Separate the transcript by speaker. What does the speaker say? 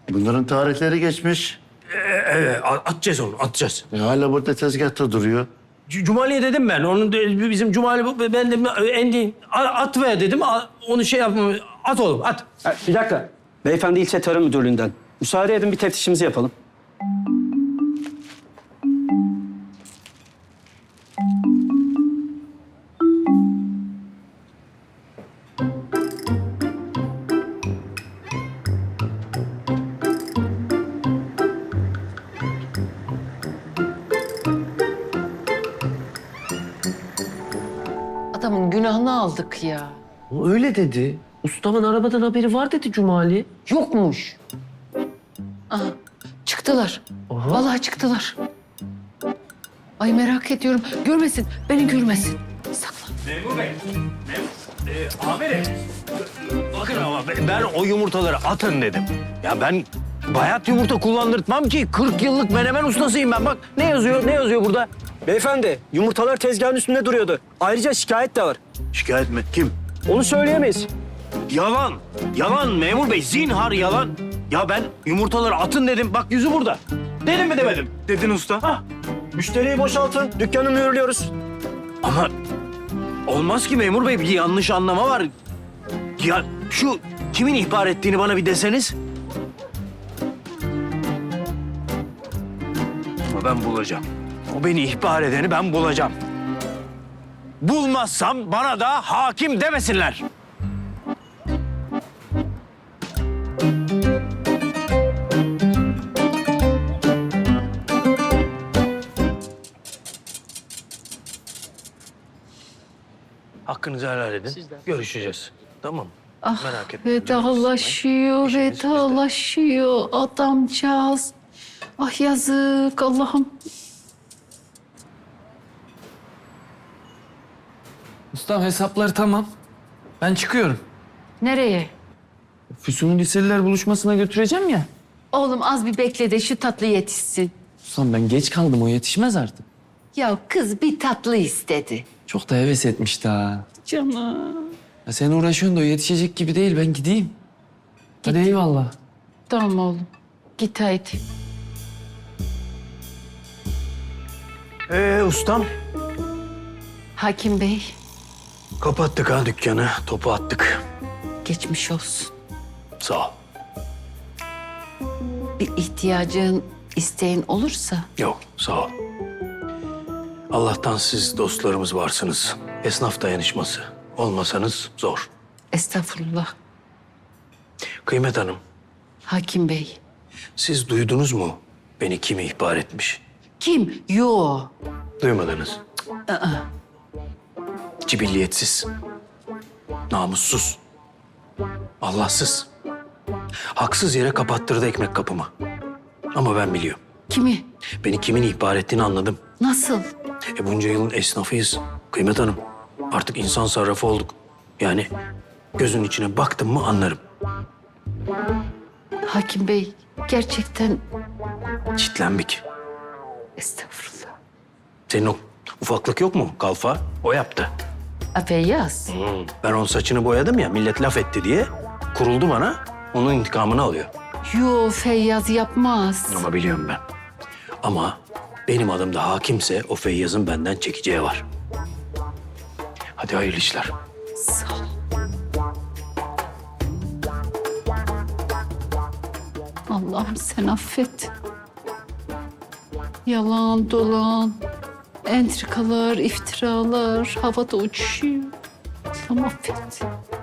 Speaker 1: Bunların tarihleri geçmiş.
Speaker 2: Evet, atacağız onu, atacağız.
Speaker 1: Hala burada tezgahta duruyor.
Speaker 2: Cumali'ye dedim ben. Onun bizim Cumali, ben de Endi at ver dedim. Onu şey yapma, at oğlum, at.
Speaker 3: Bir dakika. Beyefendi İlçe Tarım Müdürlüğü'nden. Müsaade edin bir teftişimizi yapalım.
Speaker 4: Adamın günahını aldık ya.
Speaker 5: Öyle dedi. Ustamın arabadan haberi var dedi Cumali.
Speaker 4: Yokmuş. Aha, çıktılar. Vallahi çıktılar. Ay merak ediyorum. Görmesin, beni görmesin. Saklan.
Speaker 2: Memur Bey, amirim. Bakın ama ben o yumurtaları atın dedim. Ya ben bayat yumurta kullandırtmam ki. 40 yıllık menemen ustasıyım ben. Bak ne yazıyor, ne yazıyor burada?
Speaker 3: Beyefendi yumurtalar tezgahın üstünde duruyordu. Ayrıca şikayet de var.
Speaker 2: Şikayet mi? Kim?
Speaker 3: Onu söyleyemeyiz.
Speaker 2: Yalan. Yalan memur bey. Zinhar yalan. Ya ben yumurtaları atın dedim. Bak yüzü burada. Dedim mi demedim?
Speaker 3: Dedin usta. Hah. Müşteriyi boşaltın. Dükkanı mühürlüyoruz.
Speaker 2: Ama olmaz ki memur bey. Bir yanlış anlama var. Ya şu kimin ihbar ettiğini bana bir deseniz. Ama ben bulacağım. O beni ihbar edeni ben bulacağım. Bulmazsam bana da hakim demesinler. Hakkınızı helal edin. Görüşeceğiz. Tamam mı? Merak etme.
Speaker 4: Vedalaşıyor, vedalaşıyor adamcağız. Ah yazık Allah'ım.
Speaker 5: Ustam hesaplar tamam. Ben çıkıyorum.
Speaker 4: Nereye?
Speaker 5: Füsun'u liseliler buluşmasına götüreceğim ya.
Speaker 4: Oğlum az bir bekle de şu tatlı yetişsin.
Speaker 5: Ustam ben geç kaldım, o yetişmez artık.
Speaker 4: Ya kız bir tatlı istedi.
Speaker 5: Çok da heves etmişti ha.
Speaker 4: Canım.
Speaker 5: Ya sen uğraşıyorsun da o yetişecek gibi değil, ben gideyim. Hadi eyvallah.
Speaker 4: Tamam oğlum. Git haydi.
Speaker 2: Ustam.
Speaker 4: Hakim Bey,
Speaker 2: Kapattık ha dükkanı. Topu attık.
Speaker 4: geçmiş olsun.
Speaker 2: Sağ ol.
Speaker 4: Bir ihtiyacın, isteğin olursa
Speaker 2: Yok, sağ ol. Allah'tan siz dostlarımız varsınız. Esnaf dayanışması. Olmasanız zor.
Speaker 4: estağfurullah.
Speaker 2: Kıymet Hanım,
Speaker 4: Hakim Bey.
Speaker 2: siz duydunuz mu beni kim ihbar etmiş?
Speaker 4: Kim? Yo.
Speaker 2: Duymadınız. Cibilliyetsiz. Namussuz. Allahsız. Haksız yere kapattırdı ekmek kapımı. Ama ben biliyorum.
Speaker 4: Kimi?
Speaker 2: Beni kimin ihbar ettiğini anladım.
Speaker 4: Nasıl?
Speaker 2: Bunca yılın esnafıyız Kıymet Hanım. Artık insan sarrafı olduk. Yani gözün içine baktım mı anlarım.
Speaker 4: Hakim Bey, gerçekten
Speaker 2: Çitlenbik.
Speaker 4: estağfurullah.
Speaker 2: Senin o ufaklık yok mu kalfa? O yaptı.
Speaker 4: Feyyaz.
Speaker 2: Ben onun saçını boyadım ya millet laf etti diye. Kuruldu bana. Onun intikamını alıyor.
Speaker 4: Yo, Feyyaz yapmaz.
Speaker 2: Ama biliyorum ben. Ama benim adım da hakimse o Feyyaz'ın benden çekeceği var. Hadi hayırlı işler.
Speaker 4: Sağ ol. Allah'ım sen affet. Yalan, dolan, entrikalar, iftiralar havada uçuşuyor. Allah'ım affet.